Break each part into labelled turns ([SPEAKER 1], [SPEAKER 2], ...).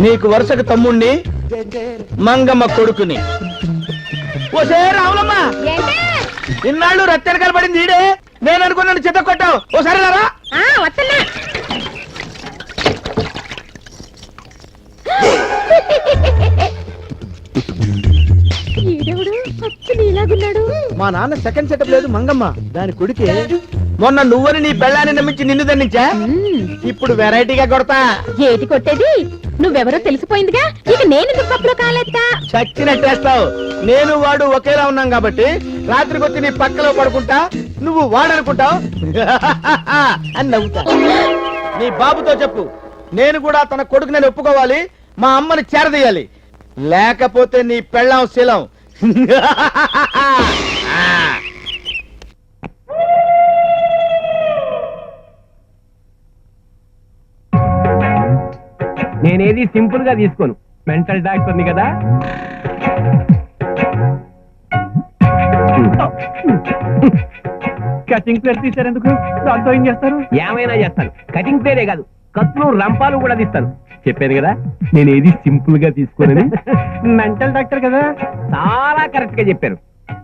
[SPEAKER 1] నీకు వరుసకు తమ్ముణ్ణి మంగమ్మ కొడుకుని. ఓసే రావులమ్మ, ఇన్నాళ్ళు రత్తెనకాల పడింది ఈడే. నేను అనుకున్నాను చిత్త కొట్టావు. ఓసారి రారా. మా నాన్న సెకండ్ సెటప్ లేదు మంగమ్మ, దాని కొడుకే. మొన్న నువ్వని నీ పెళ్ళాన్ని నమ్మించి నిన్ను దండించా, ఇప్పుడు వెరైటీగా కొడతా.
[SPEAKER 2] ఏటి కొట్టేది? నువ్వెవరో తెలిసిపోయిందిగా, ఇక నేను దుప్పట్లో కాలేస్తా.
[SPEAKER 1] చచ్చినట్టేస్తావు. నేను వాడు ఒకేలా ఉన్నాం కాబట్టి రాత్రికి వచ్చి నీ పక్కలో పడుకుంటా, నువ్వు వాడనుకుంటావు అని నవ్వుతా. నీ బాబుతో చెప్పు, నేను కూడా తన కొడుకు నేను ఒప్పుకోవాలి, మా అమ్మని చేరదీయాలి, లేకపోతే నీ పెళ్ళాం శీలం.
[SPEAKER 3] నేనేది సింపుల్ గా తీసుకోను, మెంటల్ డాక్టర్ని కదా.
[SPEAKER 4] కటింగ్ ప్లేట్ తీసారు ఎందుకు? దాంతో ఏం చేస్తారు?
[SPEAKER 3] ఏమైనా చేస్తాను. కటింగ్ ప్లేటే కాదు, కత్తులు రంపాలు కూడా తీస్తాను. చెప్పాను కదా నేను ఏది సింపుల్ గా తీసుకోనని.
[SPEAKER 4] మెంటల్ డాక్టర్ కదా.
[SPEAKER 3] చాలా కరెక్ట్ గా చెప్పారు.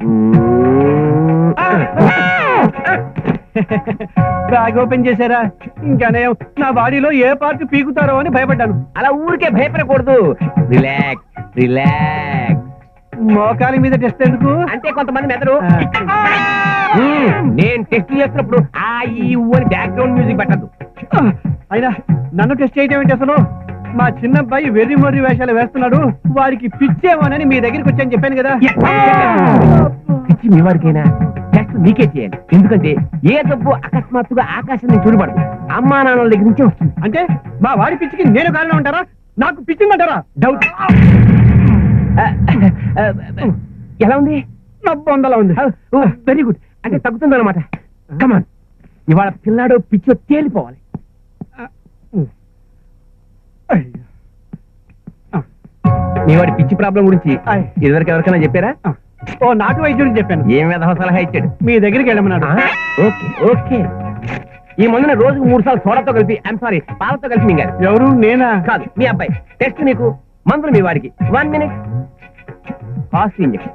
[SPEAKER 4] బ్యాగ్ ఓపెన్ చేశారా? ఇంకానే నా బాడీలో ఏ పార్ట్ పీకుతారో అని భయపడ్డాను.
[SPEAKER 3] అలా ఊరికే భయపడకూడదు. Relax relax.
[SPEAKER 4] మోకాలి మీద టెస్ట్ ఎందుకు
[SPEAKER 3] అంటే కొంతమంది మెదడు. నేను టెస్ట్ చేస్తున్నప్పుడు ఆ ఈ ఊ అని బ్యాక్గ్రౌండ్ మ్యూజిక్ పెట్టద్దు.
[SPEAKER 4] అయినా నన్ను టెస్ట్ చేయటం ఏంటి అసలు? మా చిన్నబ్బాయి వెర్రి మొర్రి వేషాలు వేస్తున్నాడు, వారికి పిచ్చేమోనని మీ దగ్గరికి వచ్చాను చెప్పాను కదా.
[SPEAKER 3] పిచ్చి మీ వాడికైనా టెస్ట్ మీకే చేయాలి. ఎందుకంటే ఏ జబ్బు అకస్మాత్తుగా ఆకాశం నుంచి చూడబడదు, అమ్మా నాన్నల దగ్గర నుంచే వస్తుంది.
[SPEAKER 4] అంటే మా వాడి పిచ్చికి నేను కారణం అంటారా? నాకు పిచ్చిందంటారా?
[SPEAKER 3] డౌట్. ఎలా ఉంది?
[SPEAKER 4] 90 ఉంది.
[SPEAKER 3] Very good. అంటే తగ్గుతుంది అనమాట. కమాన్, ఇవాళ పిల్లాడు పిచ్చో తేలిపోవాలి. మీ వాడి పిచ్చి ప్రాబ్లం గురించి ఇదివరకు ఎవరికైనా చెప్పారా?
[SPEAKER 4] ఓ నాటు వైద్యుడికి చెప్పాను.
[SPEAKER 3] ఏం విధవ సలహా ఇచ్చాడు?
[SPEAKER 4] మీ దగ్గరికి వెళ్ళమన్నాడు.
[SPEAKER 3] Okay okay. ఈ మందుని రోజుకు 3 సార్లు సోడాతో కలిపి, ఐమ్ సారీ, పాలతో కలిపి మింగారు.
[SPEAKER 4] ఎవరు? నేనా?
[SPEAKER 3] కాదు, మీ అబ్బాయి. టెస్ట్ నీకు, మందులు మీ వాడికి. 1 మినిట్. Fast injection.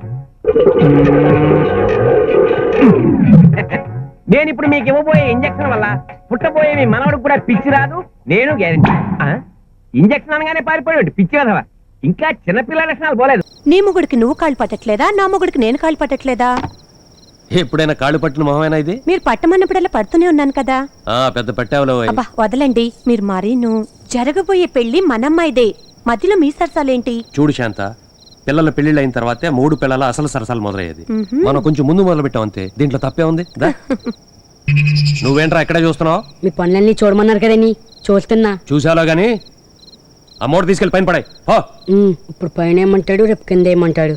[SPEAKER 3] నేను ఇప్పుడు మీకు ఇవ్వబోయే ఇంజక్షన్ వల్ల పుట్టబోయే మీ మనవడికి కూడా పిచ్చి రాదు, నేను గ్యారెంటీ. ఇంజక్షన్ అనగానే పారిపోయాడు పిచ్చి కదవా. ఇంకా చిన్నపిల్లల లక్షణాలు పోలేదు.
[SPEAKER 2] నీ మొగుడికి నువ్వు కాళ్ళు పట్టట్లేదా? నా మొగుడికి నేను కాళ్ళు పట్టట్లేదా?
[SPEAKER 5] ఎప్పుడైనా కాళ్ళు పట్టిన మొహమేనా ఇది?
[SPEAKER 2] మీరు పట్టమన్నప్పుడల్లా పడుతూనే ఉన్నాను కదా.
[SPEAKER 5] పెద్ద పట్టావులో.
[SPEAKER 2] అబ్బా వదలండి మీరు. మరీను జరగబోయే పెళ్లి మనమ్మాయిదే, మధ్యలో మీ సరసాలేంటి?
[SPEAKER 5] చూడు శాంత, పిల్లల పెళ్లిళ్ళు అయిన తర్వాతే 3 పిల్లల అసలు సరసాలు మొదలయ్యేది. మనం కొంచెం ముందు మొదలు పెట్టాం అంతే, దీంట్లో తప్పే ఉంది. నువ్వేంట్రా ఎక్కడే చూస్తున్నావు?
[SPEAKER 6] మీ పనులన్నీ చూడమన్నారు కదండి, చూస్తున్నా.
[SPEAKER 5] చూసాలో గాని అమౌంట్ తీసుకెళ్ళి పైన పడాయి.
[SPEAKER 6] ఇప్పుడు పైన ఏమంటాడు, రేపు కింద ఏమంటాడు?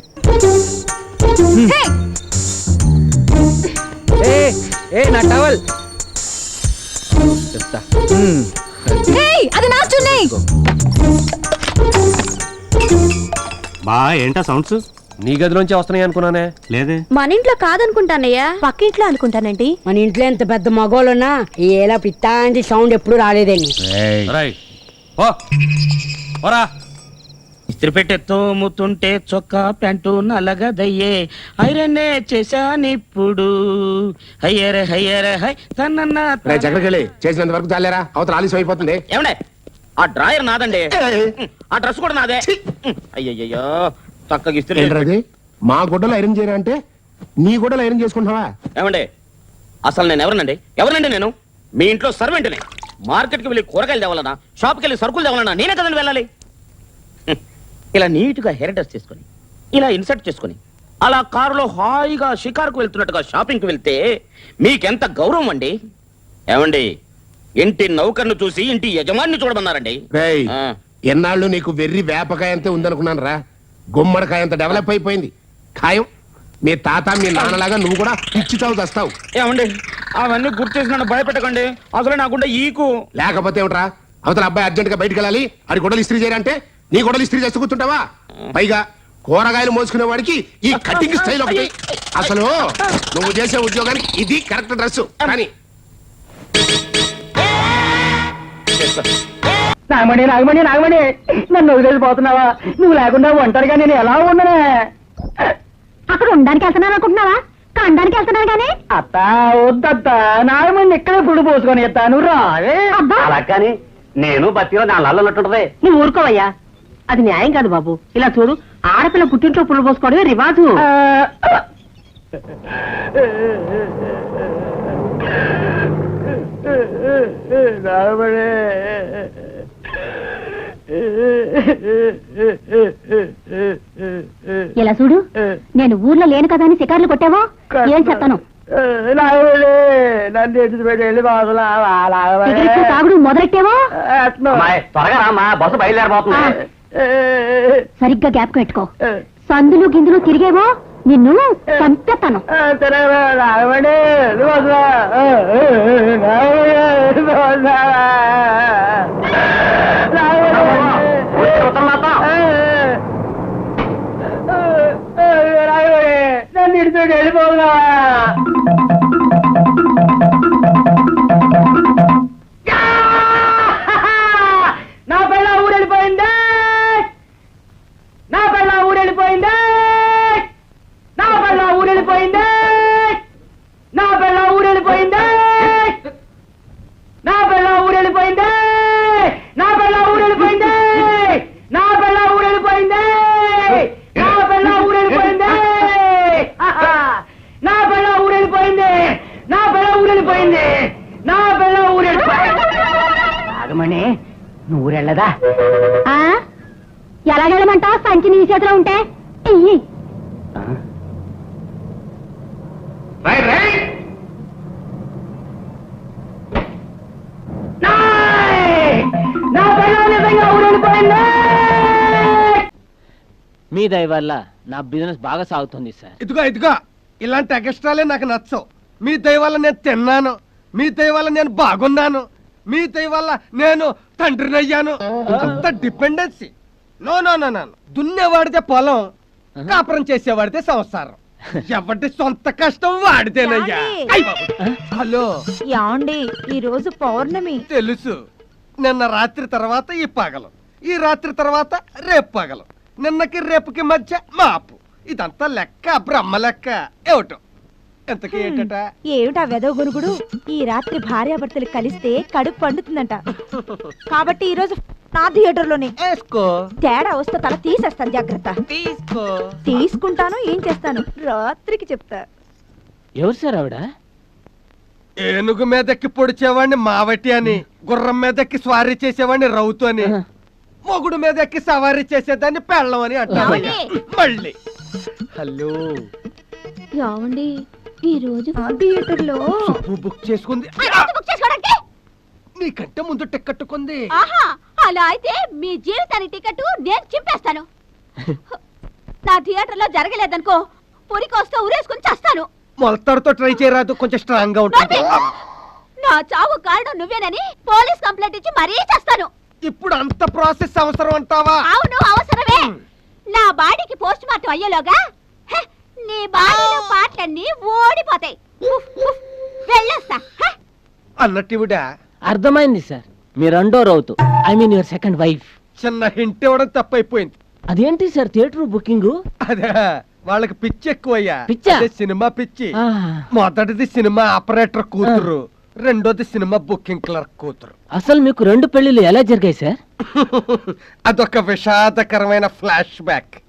[SPEAKER 3] నా టవల్.
[SPEAKER 2] అది నా చున్నీ.
[SPEAKER 4] బా ఏంటా సౌండ్స్?
[SPEAKER 5] నీ గదిలోంచి వస్తున్నాయి అనుకున్నానే.
[SPEAKER 4] లేదే.
[SPEAKER 2] మన ఇంట్లో కాదనుకుంటానయ్యా, పక్కింట్లో అనుకుంటానండి.
[SPEAKER 6] మన ఇంట్లో ఎంత పెద్ద మగోళ్ళున్నా ఏలా పిత్తాంటి సౌండ్ ఎప్పుడు రాలేదండి.
[SPEAKER 1] ఇస్త్రీ పెట్టే తోముతుంటే చొక్కా ప్యాంటు నలగదయ్యే, ఐరన్నే చేశానిప్పుడు. హయ్యరే హయ్యరే హై తనన్నా
[SPEAKER 7] చక్కడికెళ్ళి చేసినంత వరకు చాలేరా, అవతల ఆలస్యం అయిపోతుంది.
[SPEAKER 1] ఏమండే, ఆ డ్రాయర్ నాదండి, ఆ డ్రెస్ కూడా నాదే. అయ్యయ్యో చక్కగా ఇస్త్రీ.
[SPEAKER 7] మా గుడ్డలు ఐరన్ చేయరా అంటే నీ గుడ్డలు ఐరన్ చేసుకుంటున్నావా?
[SPEAKER 1] ఏమండే, అసలు నేను ఎవరినండి నేను? మీ ఇంట్లో సర్వెంట్ని. మార్కెట్కి వెళ్ళి కూరగాయలు తేవాలన్నా, షాప్కి వెళ్ళి సరుకులు తేవాలన్నా నేనే కదండి వెళ్ళాలి. ఇలా నీట్గా హెయిర్ డ్రెస్ చేసుకుని, ఇలా ఇన్సర్ట్ చేసుకుని, అలా కారులో హాయిగా షికారుకు వెళ్తున్నట్టుగా షాపింగ్కి వెళ్తే మీకెంత గౌరవం అండి. ఏమండి, ఇంటి నౌకర్ను చూసి ఇంటి యజమాని చూడమన్నారండి.
[SPEAKER 7] ఎన్నాళ్ళు నీకు వెర్రి వేపకాయ అంతే ఉందనుకున్నాను రా, గుమ్మడికాయ అంత డెవలప్ అయిపోయింది. ఖాయం మీ తాత మీ నాన్నలాగా నువ్వు కూడా పిచ్చి తావు తెస్తావు.
[SPEAKER 1] ఏమండి, అవన్నీ గుర్తు చేసి నన్ను భయపెట్టకండి. అసలు నాకుండా ఈకు.
[SPEAKER 7] లేకపోతే ఏమిట్రా, అవతల అబ్బాయి అర్జెంట్ గా బయటకు వెళ్ళాలి, అది గొడవలు ఇస్త్రీ చేయాలంటే నీ గొడవలు ఇస్త్రీ చేస్తూ కూర్చుంటావా? పైగా కూరగాయలు మోసుకునే వాడికి ఈ కటింగ్ స్టైల్ ఒకటి. అసలు నువ్వు చేసే ఉద్యోగానికి ఇది కరెక్ట్ డ్రెస్. కానీ
[SPEAKER 4] నాగమణి నాగమణి నాగమణి నన్ను వదిలేసిపోతున్నావా? నువ్వు లేకుండా ఒంటరిగా నేను ఎలా ఉండనే?
[SPEAKER 2] అక్కడ ఉండడానికి వెళ్తున్నాను అనుకుంటున్నావా? కండానికి వెళ్తున్నాను కానీ
[SPEAKER 4] అత్త వద్దత్త, నాగమణి ఇక్కడే పుడు పోసుకొని ఎత్తాను రావే.
[SPEAKER 3] అలా కానీ నేను బతిలో నా ఉన్నట్టుంటది.
[SPEAKER 2] నువ్వు ఊరుకోవయ్యా, అది న్యాయం కాదు బాబు. ఇలా చూడు, ఆడపిల్ల పుట్టింట్లో పుల్ల పోసుకోవడమే రివాజు. ఇలా చూడు, నేను ఊర్లో లేను కదా అని శికార్లు కొట్టావో ఏం చెప్తాను.
[SPEAKER 4] నన్ను ఎత్తుపెట్టి వెళ్ళి
[SPEAKER 2] సిగరెట్లు తాగుడు మొదలెట్టావో
[SPEAKER 3] త్వరగా రామా, బస్సు బయలుదేరబోతుంది.
[SPEAKER 2] సరిగ్గా గ్యాప్ పెట్టుకో. సందులు గిందులు తిరిగేవో నిన్ను చంపేస్తాను.
[SPEAKER 4] నాగమణి నన్ను ఇడిచిపెట్టి వెళ్ళిపోతున్నా. నా పిల్ల ఊరెళ్ళిపోయింది, నా పిల్ల ఊరెళ్ళిపోయింది, నా పిల్ల ఊరెళ్ళిపోయింది, నా పిల్ల ఊరెళ్ళిపోయింది, నా పిల్ల ఊరెళ్ళిపోయింది, నా పిల్ల ఊరెళ్ళిపోయింది, నా పిల్ల ఊరెళ్ళిపోయింది, నా పిల్ల ఊరెళ్ళిపోయింది, నా పిల్ల ఊరెళ్ళిపోయింది, నా పిల్ల ఊరెళ్ళిపోయింది, నా పిల్ల ఊరెళ్ళిపోయింది. నాగమణి నువ్వు ఊరెళ్ళదా?
[SPEAKER 2] ఎలాగెళ్ళమంటావు? సంచి నీ చేతిలో ఉంటే ఇయ్యి.
[SPEAKER 4] నా పిల్ల నిజంగా ఊరెళ్ళిపోయింది.
[SPEAKER 8] మీ దయ వల్ల నా బిజినెస్ బాగా సాగుతుంది సార్.
[SPEAKER 5] ఇదిగో ఇలాంటి ఎక్స్ట్రాలే నాకు నచ్చవు. మీ దయ వల్ల నేను తిన్నాను, మీ దయ వల్ల నేను బాగున్నాను, మీ దయ వల్ల నేను తండ్రిని అయ్యాను. అంత dependency no no no no. దున్నేవాడితే పొలం, కాపురం చేసేవాడితే సంసారం. ఎవరి సొంత కష్టం వాడితేనయ్యా. అయ్ బాబు. హలో
[SPEAKER 2] యాండి, ఈ రోజు పౌర్ణమి.
[SPEAKER 5] తెలుసు. నిన్న రాత్రి తర్వాత ఈ పగలు, ఈ రాత్రి తర్వాత రేపు పగలు, నిన్నకి రేపుకి మధ్య మాపు. ఇదంతా లెక్క, బ్రహ్మ లెక్క. ఏమిటో ఎంతకీ ఏంటట?
[SPEAKER 2] ఏమిటా వెదవ గురుగుడు? ఈ రాత్రి భార్యాభర్తలు కలిస్తే కడుపు పండుతుందంట. కాబట్టి ఈ రోజు నా థియేటర్ లోనే
[SPEAKER 5] వేసుకో,
[SPEAKER 2] తేడా వస్తే తల తీసేస్తాను. జాగ్రత్త.
[SPEAKER 5] తీసుకో.
[SPEAKER 2] తీసుకుంటాను, ఏం చేస్తాను రాత్రికి చెప్తా.
[SPEAKER 8] ఎవరు సార్ ఆవిడ?
[SPEAKER 5] ఏనుగు మీదెక్కి పొడిచేవాడిని మావటి అని, గుర్రం మీదెక్కి స్వారీ చేసేవాడిని రౌతు అని, మొగుడు మీదెక్కి సవారీ చేసేదాన్ని పెళ్ళం అని అంటావయ్యా. మళ్ళీ హలో
[SPEAKER 2] యావండి, ఈ రోజు థియేటర్ లో
[SPEAKER 5] బుక్ చేసుకుంది. నీకంటే ముందు టికెట్ కొంది.
[SPEAKER 2] అలా అయితే మీ జీవితానికి టికెట్ నేను చింపేస్తాను. నా థియేటర్ లో జరగలేదనుకో, పురికొస్తే ఉరేసుకుని చేస్తాను.
[SPEAKER 5] మొలతాడుతో ట్రై చేయరాదు, కొంచెం స్ట్రాంగ్ గా ఉంటుంది.
[SPEAKER 2] నా చావు కారణం నువ్వేనని పోలీస్ కంప్లైంట్ ఇచ్చి మరీ చేస్తాను.
[SPEAKER 5] ఇప్పుడు అంత ప్రాసెస్ అవసరం అంటావా?
[SPEAKER 2] అవును, అవసరమే. నా బాడీకి పోస్ట్ మార్టం అయ్యేలోగా నీ బాడీలో పాటలన్నీ ఓడిపోతాయి. వెళ్ళొస్తా.
[SPEAKER 5] అన్నట్టు
[SPEAKER 8] అర్థమైంది సార్, మీ రెండో రౌతు, I mean your second wife.
[SPEAKER 5] చిన్న హింట్ ఇవ్వడం తప్పైపోయింది.
[SPEAKER 8] అదేంటి సార్ థియేటర్ బుకింగ్?
[SPEAKER 5] అదే వాళ్ళకి పిచ్చి ఎక్కువయ్యా.
[SPEAKER 8] పిచ్చా?
[SPEAKER 5] అదే సినిమా పిచ్చి. మొదటిది సినిమా ఆపరేటర్ కూతురు, రెండోది సినిమా బుకింగ్ క్లర్క్ కూతురు.
[SPEAKER 8] అసలు మీకు రెండు పెళ్లిళ్ళు ఎలా జరిగాయి సార్?
[SPEAKER 5] అదొక విషాదకరమైన ఫ్లాష్ బ్యాక్.